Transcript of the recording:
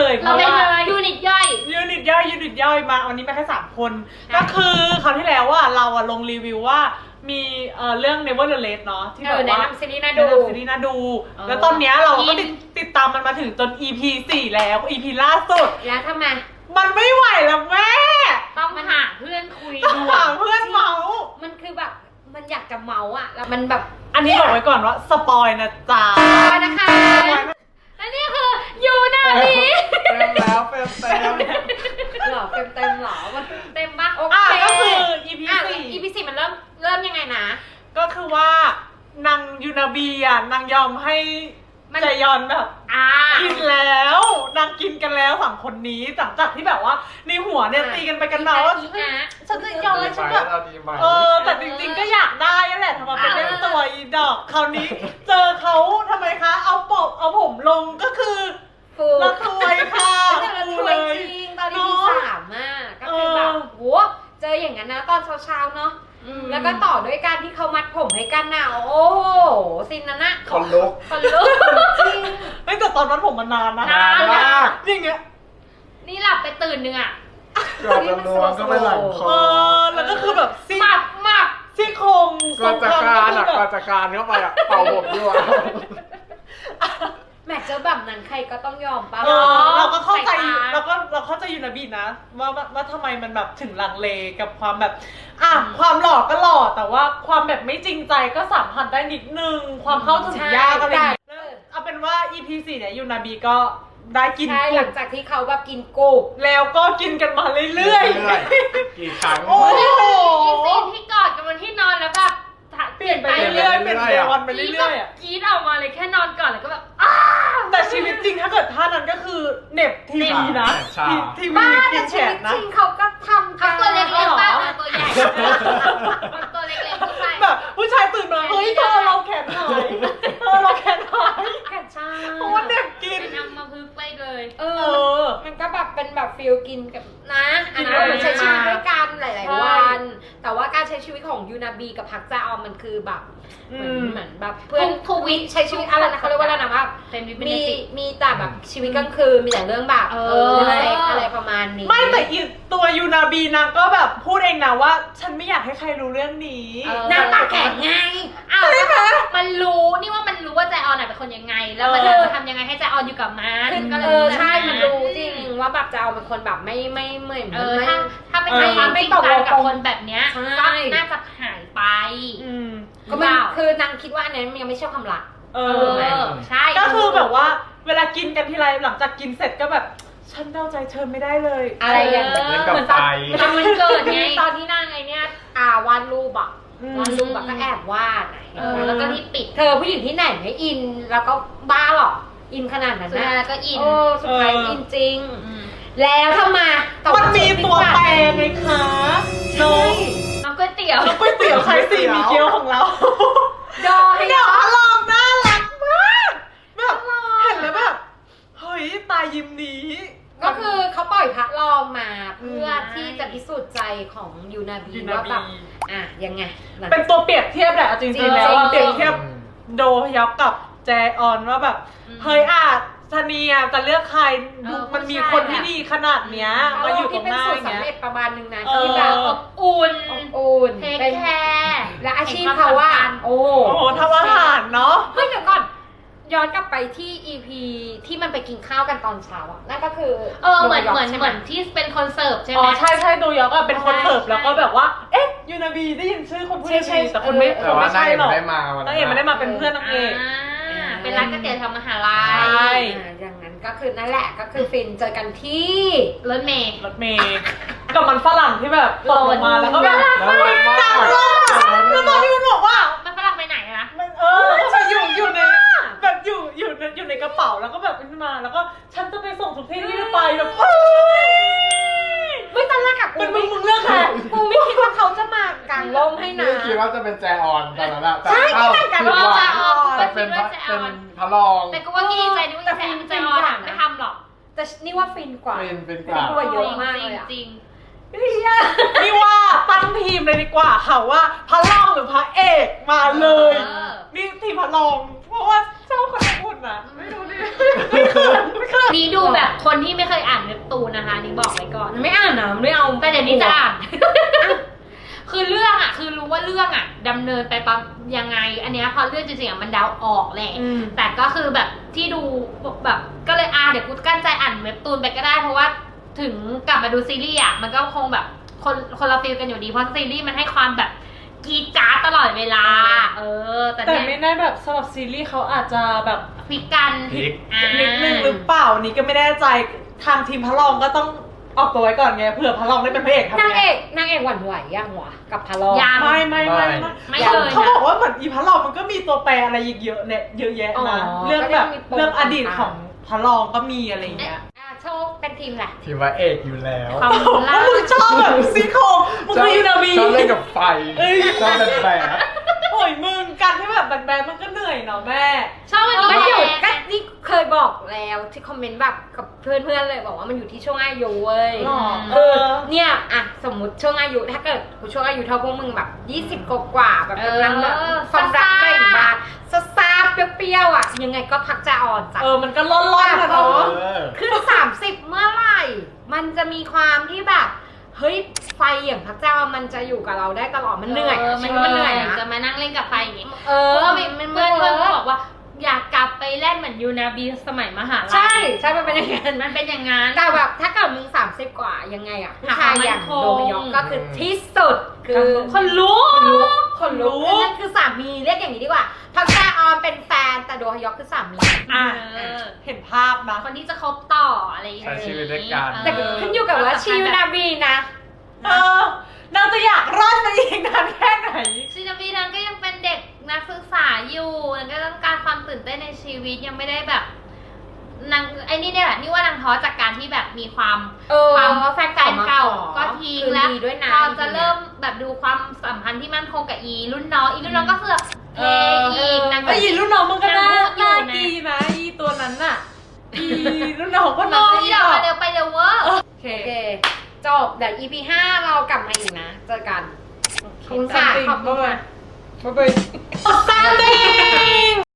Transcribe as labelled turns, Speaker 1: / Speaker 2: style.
Speaker 1: เลยเพ
Speaker 2: เรา
Speaker 1: ราะ
Speaker 2: เป็น
Speaker 1: ว่า
Speaker 2: ยูนิตย่อย
Speaker 1: ยูนิตย่อยมาวันนี้มาแค่3 คนก็คือคราวที่แล้วว่าเราลงรีวิวว่ามีเรื่อง Never the Late เนาะที่แบบว่า
Speaker 3: แนะนำซีรีส์น่าดู
Speaker 1: แล้วตอนเนี้ยเราก็ติดตามมันมาถึงจน EP 4 แล้ว EP ล่าสุด
Speaker 3: แล้วทำไม
Speaker 1: มันไม่ไหวแล้วแม่
Speaker 2: ต้องหาเพื่อนคุย
Speaker 1: ต้อง
Speaker 2: ด่ว
Speaker 1: หาน เพื่อนเมาส์
Speaker 3: มันคือแบบมันอยากจะเมาอ่ะแล้วมันแบบ
Speaker 1: อันนี้บอกไว้ก่อนว่าสปอยนะจ๊ะ
Speaker 3: ไปนะคะ
Speaker 2: และนี่คือยูนาบี
Speaker 4: เต็มแล้วเต็ม
Speaker 3: หล่อเต็มหล่อมัน
Speaker 2: เต็มปะ
Speaker 3: โอเค
Speaker 1: ก็คือ EP
Speaker 3: อ่ะ
Speaker 1: 4
Speaker 3: EP 4มันเริ่มยังไงนะ
Speaker 1: ก็คือว่านางยูนาบีนางยอมให้ใจยอนแบบ กินแล้วนางกินกันแล้ว3 คนนี้หลังจากที่แบบว่าในหัวเนี่ยตีกันไปกันมาว่าฉันจะยอมให้ฉันแบบ
Speaker 4: เอาดีไหม
Speaker 1: แต่จริงๆก็อยากได้นั่นแหละทำไมเป็นเล่นตัวอีดอกคราวนี้เจอเขาทำไมคะเอาผมลงก็คือ
Speaker 3: ฟู
Speaker 1: ละทวยค่ะ
Speaker 3: แต่ละถ้วยจริงตอน EP 3อ่ะก็คือแบบโหเจออย่างนั้นนะตอนเช้าๆเนาะแล้วก็ต่อด้วยการที่เขามัดผมให้กันน่ะโอ้โหซินนั้นน่ะ
Speaker 4: คนลุก
Speaker 3: คนลุกจริง
Speaker 1: เฮ้ยแต่ตอนนั้นผมมันนานนะ
Speaker 2: นาน
Speaker 4: มาก
Speaker 1: อย่างเงี้ย
Speaker 2: นี่หลับไปตื่นหนึ่งอ่ะ
Speaker 4: เกือบจะรวมก็ไม่หลังคอ
Speaker 1: แล้วก็คือแบบซี่
Speaker 2: หมับ
Speaker 1: ซี่โครง
Speaker 4: ก่อนจะคานอ่ะ
Speaker 1: แบบ
Speaker 4: ก่อนจะคานเข้าไปอ่ะเป่าผมด้วย
Speaker 3: แหมเจอแบบนั้นใครก็ต้องยอมป่ะ
Speaker 1: เราก็เข้าใจ
Speaker 2: สายตา
Speaker 1: เราเข้าใจยูนาบีนะว่าทำไมมันแบบถึงลังเลกับความแบบความหล่อก็หล่อแต่ว่าความแบบไม่จริงใจก็สัมผัสได้นิดนึงความเข้าถึงยากอะไรอย่างเงี้ยเอาเป็นว่า EP 4เนี่ยยูนาบีก็ได้กิน
Speaker 3: ใช่ห
Speaker 1: กุ้
Speaker 3: ลั
Speaker 1: ง
Speaker 3: งจากที่เขาแบบกินกุ้ง
Speaker 1: แล้วก็กินกันมาเรื่อย
Speaker 4: ๆกี่ครั้ง
Speaker 1: โอ้โห
Speaker 2: อีซีนที่กอดกันบนที่นอนแล้วแบบ
Speaker 1: เปลี่ยนไปเรื่อยๆเปลี่ยนไปวันไปเรื่อยๆอะ
Speaker 2: กรี๊ดออกมาเลยแค่นอนก่อนแล้วก็แบบ
Speaker 1: แต่ชีวิตจริงถ้าเกิดท่านั้นก็คือเหน็บทีวีนะทีวี
Speaker 3: บ้า
Speaker 1: กิ
Speaker 3: แต่
Speaker 1: นแฉ
Speaker 3: ชีวิ
Speaker 1: ก
Speaker 3: ต
Speaker 1: นะ
Speaker 3: จริงเขาก็ทำ
Speaker 2: เขาตัวเล็กๆบ้างตัวใหญ่ตัวเล็กๆผู้ชาย
Speaker 1: แบบผู้ชายตื่นมาเฮ้ยเธอเราแขนหายเราแขนหาย
Speaker 3: แค่ใช่
Speaker 1: เพราะว่าเด็กกิน
Speaker 2: เป็นอัมพฤกษ์ไปเลย
Speaker 3: มันก็แบบเป็นแบบฟิลกินกับนะอันนั้น
Speaker 1: กิน
Speaker 3: มันใช้ชีวิต
Speaker 1: มา
Speaker 3: ด้วยกันหลาย
Speaker 1: ใช่
Speaker 3: ๆวัน แต่ว่าการใช้ชีวิตของยูนาบีกับพักจาออมมันคือแบบเหมือนแบบเพื่อนทวิตใช้ชีวิตอะไรนะเขาเรียกว่าอะไรนะว่า
Speaker 2: เป็นวิป
Speaker 3: มี
Speaker 2: นิติ
Speaker 3: มีแต่แบบชีวิตกลางคืนมีแต่เรื่องแบบอะไรประมาณนี้
Speaker 1: ไม่แต่อีตัวยูนาบีนางก็แบบพูดเองนะว่า ฉันไม่อยากให้ใครรู้เรื่องนี้
Speaker 3: นางปากแข็งไง
Speaker 2: อ้าวมันรู้นี่ว่ามันรู้ว่าใจออนเป็นคนยังไง แล้วมันจะทำยังไงให้ใจออนอยู่กับมันก็เลย
Speaker 3: ใช่มันรู้จริงว่าแบบจะเอาเป็นคนแบบไม่เหมือน
Speaker 2: ถ้าเป็นความจริงใจกับคนแบบเนี้ยก็น่าจะหายไป
Speaker 3: ก็มันคือนางคิดว่าอันนั้นมันยังไม่ใช่ความรัก
Speaker 2: ใช่
Speaker 1: ก็คือแบบว่าเวลากินกันทีไรหลังจากกินเสร็จก็แบบฉันเดาใจเธอไม่ได้เลย
Speaker 3: อะไรอย่างเงี้ย
Speaker 4: เล่นกับไฟ
Speaker 2: ทำมันเกิดไง
Speaker 3: ตอนที่นางไงเนี่ยวาดรูปอะวาดรูปแบบก็แอบวาดเห็นไหม
Speaker 2: แล้วก็ที่ปิด
Speaker 3: เธอผู้หญิงที่ไหนไม่อินแล้วก็บ้าหรออินขนาดนั้น
Speaker 2: สุด
Speaker 3: นะ
Speaker 2: ท้ายก็อิน
Speaker 3: สุดท้ายอินจริง แล้วทำไม
Speaker 1: มันมีตัวแปรไงคะน้อง
Speaker 2: น้องก๋วยเตี๋ยว
Speaker 1: ก๋วยเตี๋ยวไข่สี่มีเกี๊ยวของเรา
Speaker 3: ดอให้
Speaker 1: เดี๋ยวอลองน่ารักมากแบบเห็นแล้วแบบเฮ้ยตายยิ้มนี้
Speaker 3: ก็คือเขาปล่อยพระลองมาเพื่อที่จะพิสูจน์ใจของยูนาบีว่าแบบยังไง
Speaker 1: เป็นตัวเปรียบเทียบแหละจริงๆแล้วเปรียบเทียบโดยอกกับแจออนว่าแบบเฮ้ยชานีจะเลือกใครมันมีคนที่ดีขนาดเนี้ยมาอยู่ตรงหน้าอย่างเงี้ย
Speaker 3: ที่เป็นสูตรสำเร็จประมาณนึงนะที่แบบ
Speaker 2: อุ่น
Speaker 3: อุ่น
Speaker 2: เทคแคร์
Speaker 3: และอาชีพเขาว่าโอ้
Speaker 1: โหทำอาหารเนาะ
Speaker 3: เฮ้ยเดี๋ยวก่อนย้อนกลับไปที่ EP ที่มันไปกินข้าวกันตอนเช้าอ่ะนั่นก็คือ
Speaker 2: เหมือนที่เป็นคนเสิร์ฟใช่ไหม
Speaker 1: ใช่โดยอกเป็นคนเสิร์ฟแล้วก็แบบว่าเอ๊ะยูนาบีได้ยินชื่อคนพูดได้แต่คนไม่
Speaker 4: แต่ว่านาง
Speaker 1: ใช่
Speaker 4: เอก
Speaker 1: หรอก
Speaker 4: ไม่ได้มาวัน
Speaker 1: นางเอกไม่ได้มาเป็นเพื่อนนางเอก
Speaker 2: เป็นร้านก๋วยเตี๋ยวแถวมหาลั
Speaker 1: ใช่
Speaker 2: ย
Speaker 3: อย่างนั้นก็คือนั่นแหละก็คือฟินเจอกันที่
Speaker 2: รถเมย์
Speaker 1: รถเมย์กับมันฝรั่งที่แบบตกลงมาแล้วก็แบบ
Speaker 4: แล้วมันมาก
Speaker 1: แล้วตอนที่มันบอกว่า
Speaker 2: มันฝรั่งไปไหนนะ
Speaker 1: มันจะอยู่ในแบบอยู่ในกระเป๋าแล้วก็แบบขึ้นมาแล้วก็ฉันจะไปส่งทุกที่ที่ไปแบบ
Speaker 3: ไม่ตอนแรกอะกู
Speaker 1: เป็นมึงเลือกใคร
Speaker 3: กูไม่คิดว่าเขาจะมากางร่มให้นะ
Speaker 4: ไม่คิดว่าจะเป็นแจออนตอนนั้นอะ
Speaker 3: ใช่คิดเหมือนกันว่าแจออน
Speaker 4: แต่เป็นพระรอง
Speaker 2: แต่ก็ว่าดีใจนึกว่าใจมันใจอ่อนไม่ทำหรอก
Speaker 3: แต่นี่ว่าฟินกว่า
Speaker 4: เป็นกว่า
Speaker 3: กว่าเยอะมากเลยอะ
Speaker 2: จริง
Speaker 1: นี่ว่าตั้งทีมเลยดีกว่าค่ะว่าพระรองหรือพระเอกมาเลยนี่ทีมพระรองเพราะว่าเจ้าคนพูดนะไม่รู้ดิ
Speaker 2: นี่ดูแบบคนที่ไม่เคยอ่านเว็บตูนนะคะนี่บอกไว้ก่อน
Speaker 3: ไม่อ่านนะไม่เอา
Speaker 2: แต่เดี๋ยวนี้จะอ่าน คือเรื่องอ่ะ คือรู้ว่าเรื่องอ่ะดำเนินไปปั๊มยังไง อันเนี้ยพอเรื่องจริงๆอ่ะมันเดาออกแหละ แต่ก็คือแบบที่ดูแบบก็เลยเดี๋ยวกูกั้นใจอ่านเว็บตูนไปก็ได้ เพราะว่าถึงกลับมาดูซีรีส์อ่ะมันก็คงแบบคนละฟีลกันอยู่ดี เพราะซีรีส์มันให้ความแบบกรีดกราร์ดตลอดเวลา แต่
Speaker 1: แต่
Speaker 2: เนี่ย
Speaker 1: ไม่แน่แบบสำหรับซีรีส์เขาอาจจะแบบ
Speaker 2: พลิกกัน
Speaker 4: พลิก
Speaker 1: นิดนึงหรือเปล่านี่ก็ไม่แน่ใจทางทีมพระรองก็ต้องออกตัวไว้ก่อนไงเผื่อพระรองได้เป็นพระเอกทำ
Speaker 3: นาง
Speaker 1: ไง
Speaker 3: เอกหวั่นไหวยังวะกับพาลอง
Speaker 2: ยัง
Speaker 1: ไม่
Speaker 2: ไม่
Speaker 1: เขา
Speaker 2: เลย
Speaker 1: เขา
Speaker 2: นะ
Speaker 1: บอกว่าเหมือนอีพระรองมันก็มีตัวแปรอะไรอีกเยอะเนี่ยเยอะแยะนะเรื่องแบบเรื่องอดีตของพระรองก็มีอะไรอย่างเงี้ย
Speaker 3: โชคเป็นทีมแหละ
Speaker 4: ทีมว่าเอกอยู่แล้ว
Speaker 2: ความ
Speaker 1: เพราะมึงชอบแบบซีโครงมึงคือยูนาบี
Speaker 4: ชอบเล่นกับไฟ
Speaker 1: เอ้ย
Speaker 4: ชอบแบบแบบ
Speaker 1: โอ้ยมึงการที่แบบแบนๆมันก็เหนื่อยเนาะแม่
Speaker 2: ชอบมัน
Speaker 3: มัน
Speaker 2: อ
Speaker 3: อยู่
Speaker 2: ยู่
Speaker 3: ก็นี่เคยบอกแล้วที่คอมเมนต์แบบกับเพื่อนๆเลยบอกว่ามันอยู่ที่ช่วงอายุเว้ย
Speaker 1: หรอ
Speaker 3: คือเนี่ยอะสมมติช่วงอายุถ้าเกิดกูช่วงอายุเท่าพวกมึงแบบ20กว่าแบบกำลังแบบความรักเบ่งบานซาๆเปรี้ยวๆอ่ะยังไงก็พักจะอ่อนจ้ะ
Speaker 1: มันก็ร้อนๆนะเนาะ
Speaker 3: ขึ้น30 เมื่อไหร่ มันจะมีความที่แบบ เฮ้ย ไฟอย่างพระเจ้ามันจะอยู่กับเราได้ตลอด มันเหนื่อย
Speaker 2: มัน
Speaker 3: มันเหนื่อยนะ
Speaker 2: จะมานั่งเล่นกับไฟอย่างงี้
Speaker 3: เอ
Speaker 2: เพ
Speaker 3: อ
Speaker 2: ราะว่าเพื่อนก็บอกว่าอยากกลับไปเล่นเหมือนยูนาบีสมัยมหาลัย
Speaker 3: ใช่ ใช่มันเป็นอย่างนั้น
Speaker 2: มันเป็นอย่างนั้น
Speaker 3: แต่แบบถ้าเกิดมึง30 กว่ายังไงอ่ะผู้ชายอย่าง
Speaker 2: หาความมั่นคง
Speaker 3: โดมยอกก็คือที่สุด คือ
Speaker 2: คนรู้
Speaker 3: คนรู้คือนั่นคือสามีเรียกอย่างนี้ดีกว่าพักแจออนเป็นแฟนแต่โดฮยอกคือสามี
Speaker 1: อ่ะ
Speaker 2: เออ
Speaker 1: เห็นภาพนะ
Speaker 2: คนที่จะคบต่ออะไรอย่าง
Speaker 4: ใช้
Speaker 2: งี้
Speaker 4: ชีวิตด้วยกัน
Speaker 3: แต่ขึ้นอยู่กับว่าชิวนาบีนะ
Speaker 1: นางจะอยากรอดมาอีกนานแค่ไหน
Speaker 2: ชินาบีนั้นก็ยังเป็นเด็กนักศึกษาอยู่นางก็ต้องการความตื่นเต้นในชีวิตยังไม่ได้แบบนางไอ้นี่เนี่ยแหละนี่ว่านางท้อจากการที่แบบมีความ ความ
Speaker 3: แฟนเก่ามาขอ
Speaker 2: ก็ทิ้ง
Speaker 3: คืน
Speaker 2: แล้ว
Speaker 3: ดีด้วยนะ
Speaker 2: พอจะเริ่มแบบดูความสัมพันธ์ที่มั่นคงกับอีรุ่นน้องก็เสือกเทอีกนาง
Speaker 1: ไอ้ยีรุ่นน้องมันก็น่า
Speaker 2: อยู่
Speaker 1: น่า
Speaker 2: นะ
Speaker 1: กีนะอีตัวนั้นน่ะอีรุ่นน้องคน
Speaker 2: โน
Speaker 1: นั้น
Speaker 2: อีดอกไปเร็วเวอร์
Speaker 1: โอเค
Speaker 3: โอเค จบ เดี๋ยว EP 5 เรากลับมาอีกนะ เจอกัน ขอบคุณค่ะ
Speaker 1: ขอบคุณค่ะบ๊ายบาย Something